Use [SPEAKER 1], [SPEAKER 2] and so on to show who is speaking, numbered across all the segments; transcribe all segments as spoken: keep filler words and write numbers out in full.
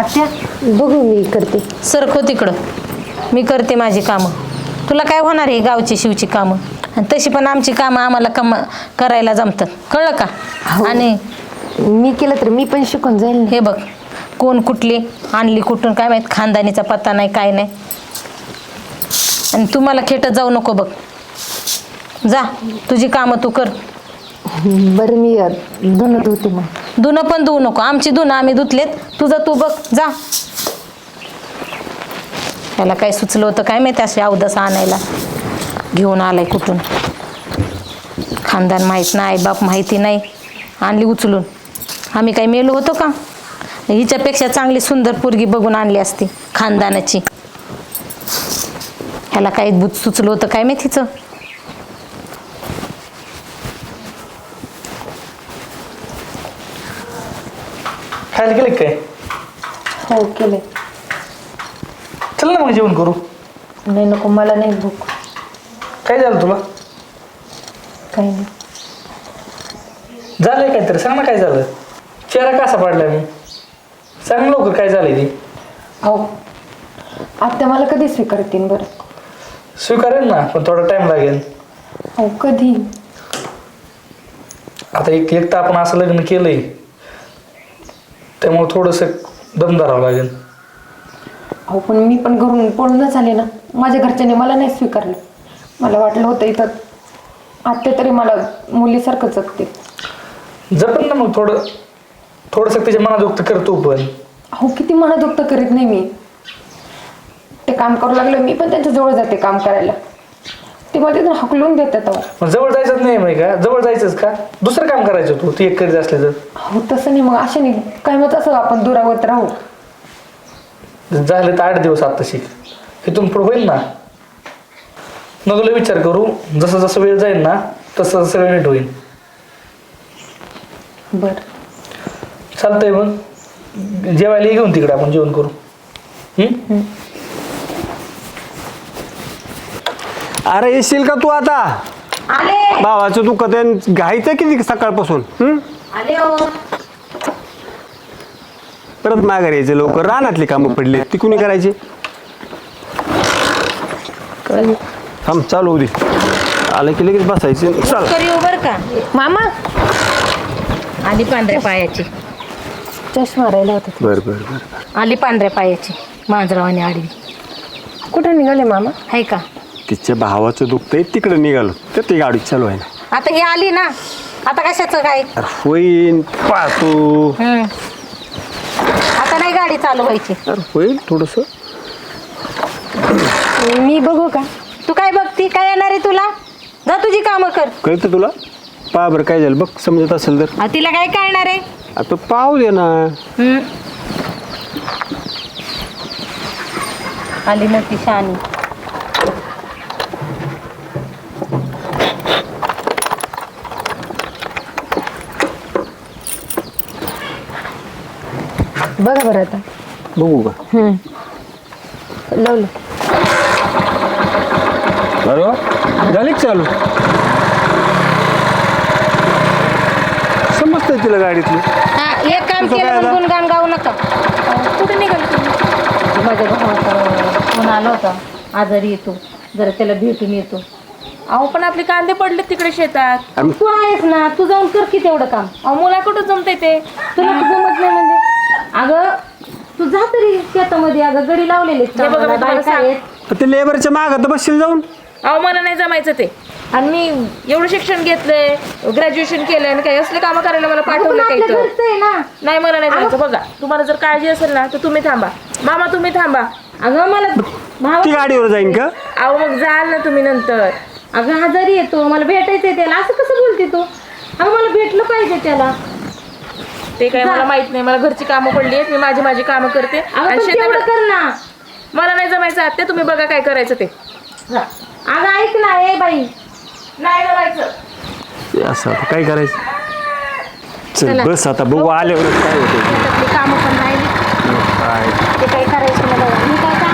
[SPEAKER 1] आत्या बघू मी करते.
[SPEAKER 2] सरको तिकडं, मी करते माझी कामं. तुला काय होणार आहे गावची शिवची कामं? आणि तशी पण आमची कामं आम्हाला कम करायला जमतात, कळलं का? आणि
[SPEAKER 1] मी केलं तर मी पण शिकून जाईल.
[SPEAKER 2] हे बघ, कोण कुठली आणली कुठून काय माहीत, खानदानीचा पत्ता नाही काय नाही. आणि तुम्हाला खेटत जाऊ नको बघ. जा तुझी कामं तू कर.
[SPEAKER 1] बरं मी धुणं धुते मग.
[SPEAKER 2] धुणं पण धुवू नको, आमची धुणं आम्ही धुतलेत, तुझं तू बघ जा. त्याला काय सुचलं होतं काय माहिती असे अवदस आणायला घेऊन आलाय कुठून. खानदान माहीत नाही, बाप माहिती नाही, आणली उचलून. आम्ही काही मेलो होतो का? हिच्यापेक्षा चांगली सुंदर पोरगी बघून आणली असती खानदानाची. ह्याला काही भूत सुचलं होतं काय माहितीचं.
[SPEAKER 3] खायला गेले काय?
[SPEAKER 1] हो केले.
[SPEAKER 3] चल ना मग जेवण करू.
[SPEAKER 1] नाही नको, मला नाही भूक.
[SPEAKER 3] काय झालं तुला?
[SPEAKER 1] काही नाही.
[SPEAKER 3] झालंय काहीतरी, सांग ना काय झालं? चेहरा कसा पडलाय मी? सांग लवकर काय झालंय ते.
[SPEAKER 1] अहो आत्या मला कधी स्वीकारतील बरं?
[SPEAKER 3] स्वीकारेल ना, पण थोडा टाइम लागेल.
[SPEAKER 1] अहो कधी?
[SPEAKER 3] आता एक एक तर आपण असं लग्न केलंय, त्यामुळे थोडंसं दम धरावं लागेल.
[SPEAKER 1] अहो पण मी पण घरून पळून झाले ना, माझ्या घरच्यांनी मला नाही स्वीकारलं. मला वाटलं होतं इथं आत्या तरी मला मुलीसारखं जगते.
[SPEAKER 3] जपन ना मग थोडं थोडंसं त्याच्या मनात करतो पण.
[SPEAKER 1] अहो किती मनादुक्त करीत नाही मी. ते काम करू लागलं मी पण त्यांच्या जवळ जाते काम करायला. ते मला तिथून हकलून देतात. अहो
[SPEAKER 3] मग जवळ जायचंच नाही माहिती का? जवळ जायचंच का? दुसरं काम करायचं तू ती एक करीत असले तर.
[SPEAKER 1] अहो तसं नाही, मग अशा नाही काय मग असं आपण दुरावत राहू.
[SPEAKER 3] झाले तर आठ दिवस आता शिक, इथून पुढे होईल ना. नगला विचार करू, जसं जसं वेळ जाईल ना तसं तसं नीट होईल.
[SPEAKER 1] बर
[SPEAKER 3] चालतंय, मग जेवायला ये घेऊन तिकडे, आपण जेवण करू. हम्म.
[SPEAKER 4] अरे येशील का तू आता?
[SPEAKER 2] आले
[SPEAKER 4] भावाचं दुखत आहे, घायचं किती सकाळपासून. हम्म
[SPEAKER 2] आले हो.
[SPEAKER 4] परत माघार यायचं लवकर. रानातली कामं पडली ती कुणी करायची? थांब चालू दे, आलं की लगेच बसायचे. चल
[SPEAKER 2] कर येऊ बर का
[SPEAKER 1] मामा.
[SPEAKER 2] आली पांढऱ्या पायाची.
[SPEAKER 1] चष्मा राहिला होता.
[SPEAKER 4] बर बर बर.
[SPEAKER 2] आली पांढऱ्या पायाची मांजरावानी आडवी.
[SPEAKER 1] कुठे निघाले मामा?
[SPEAKER 2] आहे का?
[SPEAKER 4] तिच्या भावाचं दुखतंय तिकडे निघालो तर ती गाडी चालू आहे ना.
[SPEAKER 2] आता ही आली ना, आता कशाचं काय?
[SPEAKER 4] अरे होईन पाहतो.
[SPEAKER 2] हम्म. आता नाही गाडी चालू व्हायची.
[SPEAKER 4] अरे होईल थोडस.
[SPEAKER 1] मी बघू का?
[SPEAKER 2] तू काय बघती? काय येणार आहे तुला? जा तुझी कामं कर.
[SPEAKER 4] कळतं तुला? पहा बरं काय झालं बघ, समजत असेल तर.
[SPEAKER 2] आ, तिला काय कळणार आहे?
[SPEAKER 4] आता पाहू दे ना.
[SPEAKER 2] हम्म. आली नव्हती शहाणी.
[SPEAKER 1] बघा बरं आता.
[SPEAKER 4] बघू का?
[SPEAKER 1] लावलं.
[SPEAKER 4] अरे वा, झाली का चालू? समजतंय तिला गाडीतली.
[SPEAKER 2] हा, एक काम
[SPEAKER 4] तुझं
[SPEAKER 2] केलं
[SPEAKER 4] काय
[SPEAKER 2] पण
[SPEAKER 4] झालं?
[SPEAKER 2] गुणगान गाऊ नका. कुठे निघाल तुम्ही? माझ्या भावाचा फोन आला होता, आजारी येतो, जरा त्याला भेटून येतो.
[SPEAKER 5] अहो पण आपले कांदे पडले तिकडे शेतात.
[SPEAKER 4] आणि
[SPEAKER 2] तू आहेस ना, तू जाऊन कर की तेवढं काम.
[SPEAKER 5] अहो मुला कुठं जमतंय ते?
[SPEAKER 2] तुला जमत नाही म्हणजे? अगं तू जा तरी शेतामध्ये. अगं गडी लावलेले
[SPEAKER 5] हे बघा, मी तुम्हाला सांग-
[SPEAKER 4] ते लेबरच्या मागं तर बसशील जाऊन.
[SPEAKER 5] अहो मला नाही जमायचं ते. आणि मी एवढं शिक्षण घेतलंय, ग्रॅज्युएशन केलंय, आणि काही असले कामं करायला मला पाठवलं काही तर.
[SPEAKER 2] ना.
[SPEAKER 5] नाही मला नाही जमायचं. बघा तुम्हाला जर काळजी असेल ना तर तुम्ही थांबा. मामा तुम्ही थांबा.
[SPEAKER 2] अगं मला भाव
[SPEAKER 4] ती गाडीवर जाईन का?
[SPEAKER 5] अहो मग जाल ना तुम्ही नंतर.
[SPEAKER 2] अगं आजारी येतो, मला भेटायचंय त्याला. असं कसं बोलते तू? अगं मला भेटलं पाहिजे त्याला.
[SPEAKER 5] ते काय मला माहित नाही. मला घरची कामं पडली आहेत, मी माझी माझी कामं करते.
[SPEAKER 2] अगं
[SPEAKER 5] आणि
[SPEAKER 2] पण तेवढं
[SPEAKER 5] शेताकडे
[SPEAKER 2] कर ना.
[SPEAKER 5] मला नाही जमायचं आत्या, तुम्ही बघा काय करायचं ते.
[SPEAKER 2] अगं ऐक ना, ए बाई.
[SPEAKER 5] नाही जमायचं.
[SPEAKER 4] ते असं आता काय करायचं? चल बस आता बघू आल्यावर काय होतं.
[SPEAKER 2] शेतातली कामं पण राहिली.
[SPEAKER 4] काय
[SPEAKER 2] ते काही करायचं मला. मी काय काम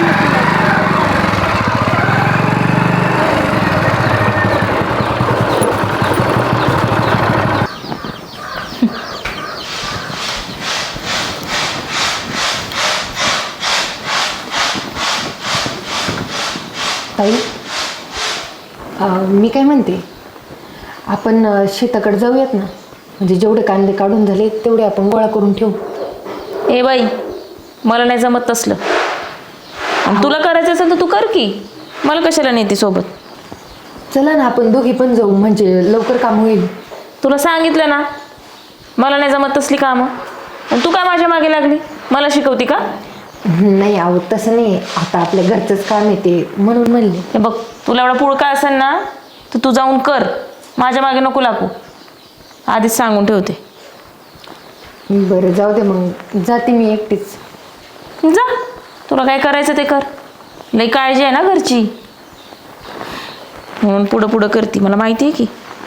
[SPEAKER 1] ताई अं, मी काय म्हणते आपण अं, शेताकडे जाऊयात ना. म्हणजे जेवढे कांदे काढून झाले तेवढे आपण गोळा करून ठेवू.
[SPEAKER 5] ए बाई, मला नाही जमत तसलं. आणि तुला करायचं असेल तर तू कर की, मला कशाला नेते सोबत.
[SPEAKER 1] चला ना आपण दोघी पण जाऊ, म्हणजे लवकर काम होईल.
[SPEAKER 5] तुला सांगितलं ना मला नाही जमत तसली कामं. आणि तू काय माझ्या मागे लागली, मला शिकवती का?
[SPEAKER 1] नाही आहो तसं नाही, आता आपल्या घरचंच काम येते म्हणून म्हणले.
[SPEAKER 5] हे बघ, तुला एवढा पुळका असेल ना तर तू जाऊन कर, माझ्या मागे नको लागू. आधीच सांगून ठेवते.
[SPEAKER 1] बरं जाऊ दे मग, जाते मी एकटीच.
[SPEAKER 5] जा, तुला काय करायचं ते कर. लई काळजी आहे ना घरची, म्हणून पुढं पुढं करते, मला माहिती आहे की.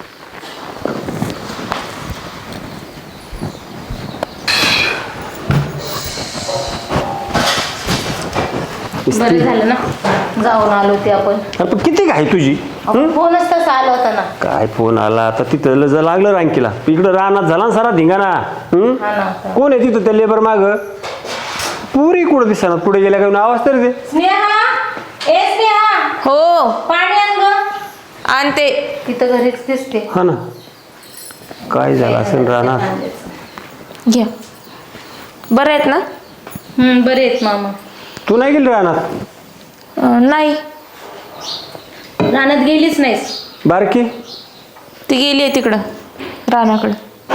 [SPEAKER 2] बरं झालं ना जाऊन आलो ते आपण.
[SPEAKER 4] अरे पण किती घाई तुझी?
[SPEAKER 2] फोनच तसा आला होता ना.
[SPEAKER 4] काय फोन आला आता तिथं जर लागलं रांकीला इकडं रानात झाला ना सारा धिंगाणा. हम्म?
[SPEAKER 2] हा ना.
[SPEAKER 4] कोण आहे तिथं त्या लेबर माग? पुरी कुठं दिसणार पुढे गेल्या काय आवाज तरी दे.
[SPEAKER 2] स्नेहा, ए स्नेहा,
[SPEAKER 5] हो
[SPEAKER 2] पाणी आण गं.
[SPEAKER 5] आणते.
[SPEAKER 2] तिथं घरीच दिसते.
[SPEAKER 4] हा ना, काय झालं असेल रानात.
[SPEAKER 5] घ्या. बरं आहेत ना?
[SPEAKER 2] हम्म, बरे आहेत मामा.
[SPEAKER 4] तू नाही गेली रानात?
[SPEAKER 5] अं, नाही,
[SPEAKER 2] रानात गेलीच नाहीस?
[SPEAKER 4] बारकी
[SPEAKER 5] ती गेली आहे तिकडं रानाकडं.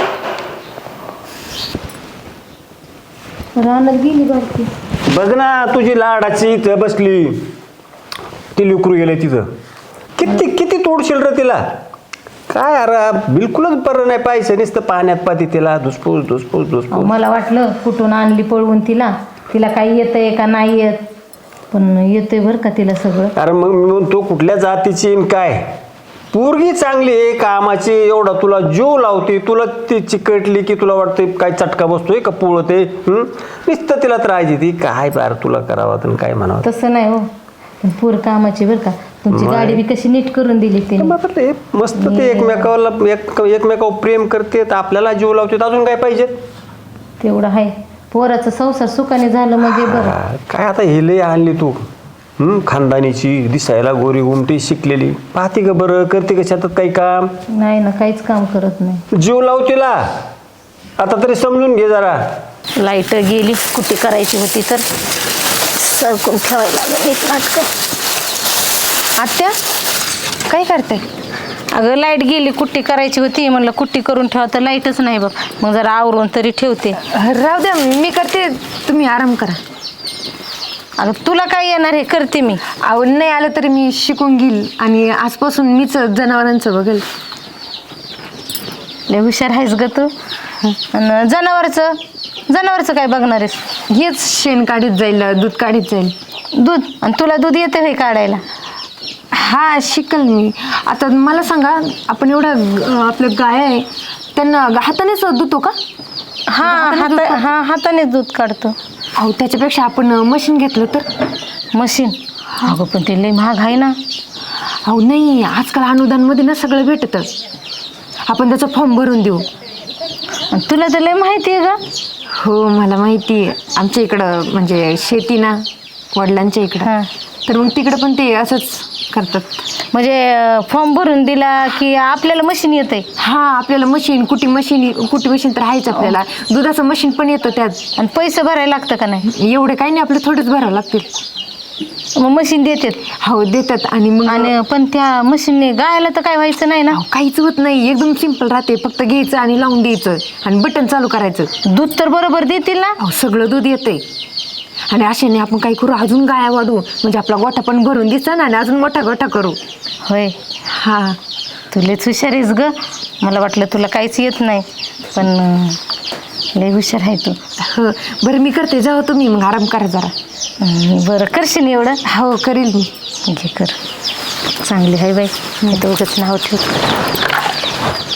[SPEAKER 2] रानात गेली बारकी.
[SPEAKER 4] बघ ना तुझी लाडाची इथं बसली, ती लुकरू गेले तिथं. किती किती तोडशील रे तिला? काय अरे बिलकुलच बरं नाही, पाहिजे नुसतं पाण्यात पाती तिला धुसफूस धुसफूस
[SPEAKER 2] अहो,
[SPEAKER 4] धुसफूस.
[SPEAKER 2] मला वाटलं कुठून आणली पळवून तिला, तिला काही येतंय का नाही येत, पण येतंय बरं का तिला सगळं.
[SPEAKER 4] अरे मग मी म्हणतो कुठल्या जातीची आणि काय पोरगी चांगली आहे कामाची, एवढा तुला जीव लावते, तुला ती चिकटली की तुला वाटते काय चटका बसतोय का पोळते. नुसतं तिला त्रास देते. काय बार तुला करावं आणि काय म्हणावं.
[SPEAKER 2] तसं नाही हो, पण पूर कामाची बरं का. तुमची गाडी बी कशी नीट करून दिली तिने.
[SPEAKER 4] बाबा ते मस्त ते एकमेकाला एक एकमेकावर प्रेम करते, आपल्याला जीव लावते, अजून काय पाहिजे.
[SPEAKER 2] तेवढं आहे. पोराचं संसार सुखाने झालं म्हणजे बरं.
[SPEAKER 4] हा, काय आता हे लय आणली तू. हम्म खानदानीची, दिसायला गोरी उमटी शिकलेली, पाहते का बरं, करते का शेतात काही काम?
[SPEAKER 2] नाही ना, काहीच काम करत नाही.
[SPEAKER 4] जीव लाव तिला, आता तरी समजून घे जरा.
[SPEAKER 2] लाईट गेली, कुठे करायची होती तर सरकून ठेवायला लागलं एक नाटकं.
[SPEAKER 1] आत्या काय करते?
[SPEAKER 2] अगं लाईट गेली, कुट्टी करायची होती, म्हणलं कुट्टी करून ठेवा, तर लाईटच नाही बघ. मग जरा आवरून तरी ठेवते.
[SPEAKER 1] राहू द्या मी करते, तुम्ही आराम करा.
[SPEAKER 2] अगं तुला काय येणार हे करते मी.
[SPEAKER 1] अहो नाही आलं तरी मी शिकून घेईल आणि आजपासून मीच जनावरांचं बघेल.
[SPEAKER 2] लय हुशार आहेस ग तू. आणि जनावरचं जनावरचं काय बघणार आहेस?
[SPEAKER 1] हेच शेण काढीत जाईल, दूध काढीत जाईल.
[SPEAKER 2] दूध? आणि तुला दूध येते हे काढायला?
[SPEAKER 1] हा शिकल मी. आता मला सांगा, आपण एवढा अं, आपलं गाय आहे त्यांना हातानेच धुतो का?
[SPEAKER 2] हा हाता हा हातानेच दूध काढतो.
[SPEAKER 1] अहो त्याच्यापेक्षा आपण मशीन घेतलं तर?
[SPEAKER 2] मशीन? अगं पण ते लय महाग आहे ना.
[SPEAKER 1] अहो नाही, आजकाल अनुदानमध्ये ना सगळं भेटतं. आपण त्याचा फॉर्म भरून देऊ.
[SPEAKER 2] आणि तुला तर लय माहिती आहे का?
[SPEAKER 1] हो मला माहिती आहे. आमच्या इकडं म्हणजे शेती ना वडिलांच्या इकडं,
[SPEAKER 2] हां.
[SPEAKER 1] तर मग तिकडं पण ते असंच करतात.
[SPEAKER 2] म्हणजे फॉर्म भरून दिला की आपल्याला मशीन येते?
[SPEAKER 1] हा आपल्याला मशीन, कुटी मशीन, कुटी मशीन तर आहेच आपल्याला. दुधाचं मशीन पण येतं त्यात.
[SPEAKER 2] आणि पैसे भरायला लागतं का नाही?
[SPEAKER 1] एवढे काही नाही, आपलं थोडंच भरावं लागतील.
[SPEAKER 2] मग मशीन देतात?
[SPEAKER 1] हो देतात. आणि मग
[SPEAKER 2] आणि पण त्या मशीनने गायला तर काय व्हायचं नाही ना?
[SPEAKER 1] अहो, काहीच होत नाही, एकदम सिंपल राहते. फक्त घ्यायचं आणि लावून द्यायचं आणि बटन चालू करायचं.
[SPEAKER 2] दूध तर बरोबर देतील ना?
[SPEAKER 1] अहो सगळं दूध येतंय. आणि अशाने आपण काय करू, अजून गाया वाढवू, म्हणजे आपला गोठा पण भरून दिसा ना आणि अजून मोठा गोठा करू.
[SPEAKER 2] होय.
[SPEAKER 1] हा
[SPEAKER 2] तुलेच हुशार आहेस ग. मला वाटलं तुला काहीच येत नाही, पण अं, लय हुशार आहे तू.
[SPEAKER 1] हो बरं मी करते, जाऊ तुम्ही मग आराम करा जरा.
[SPEAKER 2] हं, बरं करशील एवढं?
[SPEAKER 1] हो करेल मी.
[SPEAKER 2] घे कर. चांगली आहे बाई, मी तर उगाच नाव ठेव.